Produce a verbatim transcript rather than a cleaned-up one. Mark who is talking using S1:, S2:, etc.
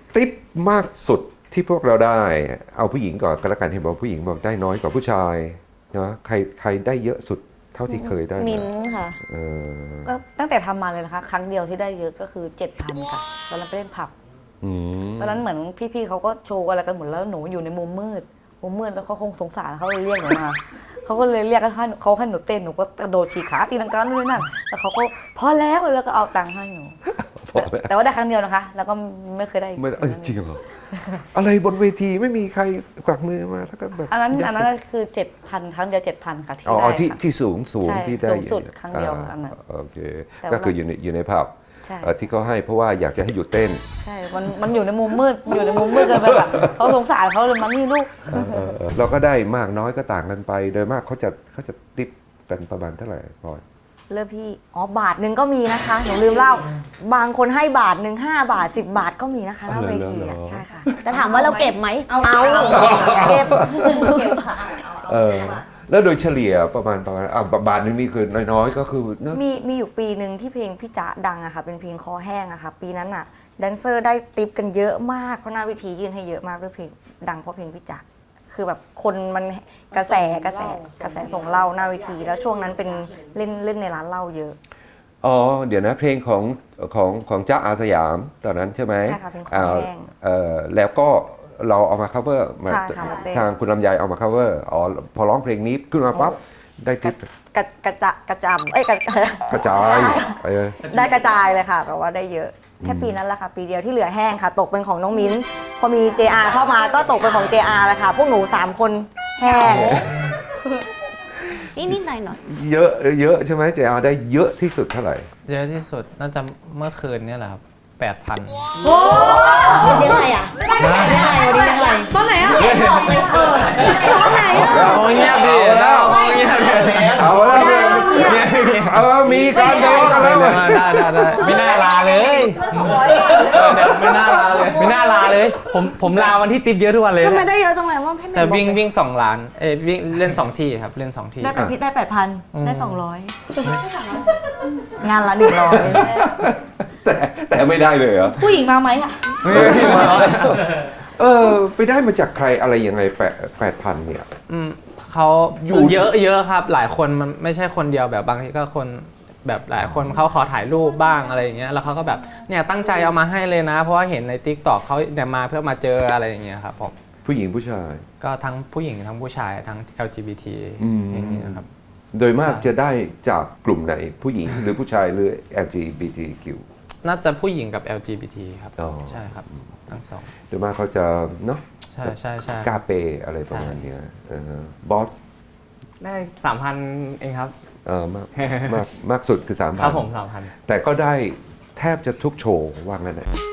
S1: ติ๊บมากสุดที่พวกเราได้เอาผู้หญิงก่อนก็แล้วกันเห็นบอกผู้หญิงบอกได้น้อยกว่าผู้ชายนะใครใครได้เยอะสุดเท่าที่เคยได้มา
S2: มิ้นท์ค่ะ
S1: เออ
S2: ก็ตั้งแต่ทำมาเลยนะคะ ครั้งเดียวที่ได้เยอะก็คือ เจ็ดพัน ค่ะตอนนั้นไปเล่นผับ
S1: อืม
S2: ตอนนั้นเหมือนพี่ๆเขาก็โชว์อะไรกันหมดแล้วหนูอยู่ในมุมมืดมุมมืดแล้วเขาคงสงสารเขาเลยเรียกหนูมาเขาก็เลยเรียกให้เขาให้หนูเต้นหนูก็กระโดดฉีกขาตีลังกาด้วยนั่นแล้วเขาก็พอแล้วแล้วก็เอาตังค์ให้หนู
S1: พอแล้ว
S2: แต่ว่าได้ครั้งเดียวนะคะ แล้วก็ไม่เคยได้อีก
S1: ไม่เอ้ยจริงเหรออะไรบนเวทีไม่มีใครกวักมือมาแล้วก็แบบ
S2: อันนั้นอันนั้นคือเจ็ดพันครั้งเดียวเจ็ดพันค่ะที่
S1: อ๋อ
S2: ได้
S1: ที่
S2: ค่ะ
S1: ที่สูงสูง
S2: ใช่
S1: ที่ได้
S2: สูงสุดครั้งเดียวอันนั้น
S1: โอเค
S2: แต่ว่า
S1: ก็คืออยู่ในอยู่ในผับ
S2: ใช่
S1: เอ่อที่เขาให้เพราะว่าอยากจะให้หยุดเต้น
S2: ใช่มันมันอยู่ในมุมมืดอยู่ในมุมมืดเกินไปแบบเขาสงสารเขาเลยมานี่ลูก
S1: เออเออเออเราก็ได้มากน้อยก็ต่างกันไป โดยมากเขาจะเขาจะติปกันประมาณเท่าไหร่พลอย
S3: เริ่มที่อ๋อบาทหนึ่งก็มีนะคะหนูลืมเล่าบางคนให้บาทหนึ่งห้าบาทสิบบาทก็มีนะคะหน้าเวทีอะใช่ค่ะแต่ถามว่าเราเก็บไหมเอาเก็บเก็บค่ะ
S1: เออแล้วโดยเฉลี่ยประมาณประมาณอ่ะบาทหนึงนี่คือน้อยๆก็คือเนอะ
S3: มีมีอยู่ปีหนึ่งที่เพลงพี่จ๊ะดังอะค่ะเป็นเพลงคอแห้งอะค่ะปีนั้นอะแดนเซอร์ได้ติปกันเยอะมากเพราะหน้าเวทียื่นให้เยอะมากด้วยเพลงดังเพราะเพลงพี่จ๊ะคือแบบคนมันกระแสกระแสกระแสส่งเหล้าหน้าเวทีแล้วช่วงนั้นเป็นเล่นเล่นในร้านเหล้าเยอะ
S1: อ๋อเดี๋ยวนะเพลงของของของจ๊ะอาสยามตอนนั้นใช่ไหม
S3: ใช่ค่ะเพลงคอแห้ง
S1: เอ่อแล้วก็เราเอามา cover มา
S3: ใช่ค่ะมาเต้น
S1: ทางคุณลำไยเอามา cover อ๋อพอร้องเพลงนี้ขึ้นมาปั๊บได้ทิป
S3: กระกระจะกระจำเอ้ยกระ
S1: กระจายเออ
S3: ได้กระจายเลยค่ะแบบว่าได้เยอะแค่ปีนั้นแหละค่ะปีเดียวที่เหลือแห้งค่ะ ตกเป็นของน้องมิ้นพอมี เจ อาร์ เข้ามาก็ตกเป็นของ เจ อาร์ เลยค่ะพวกหนูสามคนแห้ง
S4: นิดนิดหน่อยหน่อย
S1: เยอะเยอะใช่ไหมเจอาได้เยอะที่สุดเท่าไหร่
S5: เยอะที่สุดน่าจะเมื่อคืนเนี่ยแหละครับแปดพัน
S4: เลี้ยงอะไรอ่ะเลี้ยงอะไรวันนี้เลี้ยงอะไรตอนไหนอ่ะบอกเลยเออตอนไหนอ่ะ
S5: โอ้เงียบดิแล้วเงียบดิ
S1: เอาแล้วเออมีการทะเลาะกันแล้ว
S5: ได้ได้ได้ไม่น่าลาเลยไม่น่าลาเลยไม่น่าลาเลย ผมผมลาวันที่ติปเยอะทุกวันเลย
S4: ทำไมได้เยอะจังเลยว่าพี่
S5: แต่วิ่งวิ่งสองล้านเอ้ยวิ่งเล่นสองที่ครับเล่นสองที่
S3: ได้แปดพิษได้แปดพัน
S5: อืม
S3: ได้สองร้อยงานละหนึ่งร้อย
S1: แต่แต่ไม่ได้เลยเหรอ
S2: ผู้หญิงมาไหมอ่ะ
S5: ไม่มา
S1: เออไปได้มาจากใครอะไรยังไงแปดแปดพันเนี่ย
S5: อืมเขาอยู่เยอะเยอะครับหลายคนมันไม่ใช่คนเดียวแบบบางทีก็คนแบบหลายคนเขาขอถ่ายรูปบ้างอะไรอย่างเงี้ยแล้วเขาก็แบบเนี่ยตั้งใจเอามาให้เลยนะ เพราะว่าเห็นใน ติ๊กต็อก เขาเนี่ยมาเพื่อมาเจออะไรอย่างเงี้ยครับผม
S1: ผู้หญิงผู้ชาย
S5: ก็ทั้งผู้หญิงทั้งผู้ชายทั้ง แอล จี บี ที
S1: อืม
S5: อย่างเงี้ยครับ
S1: โดยมากจะได้จากกลุ่มไหนผู้หญิงหรือผู้ชายหรือ แอล จี บี ที คิว
S5: น่าจะผู้หญิงกับ แอล จี บี ที ครับ
S1: อ๋อ
S5: ใช่ครับทั้งสอง
S1: โดยมากเขาจะเนาะ
S5: ใช่ใช่ใช่
S1: กาเปอะไรประมาณเนี้ยเออบอส
S5: ได้สามพันเองครับ
S1: เออมากมากมากสุดคือสามพัน
S5: ครับผมสามพัน
S1: แต่ก็ได้แทบจะทุกโชว์ว่างั้นนะ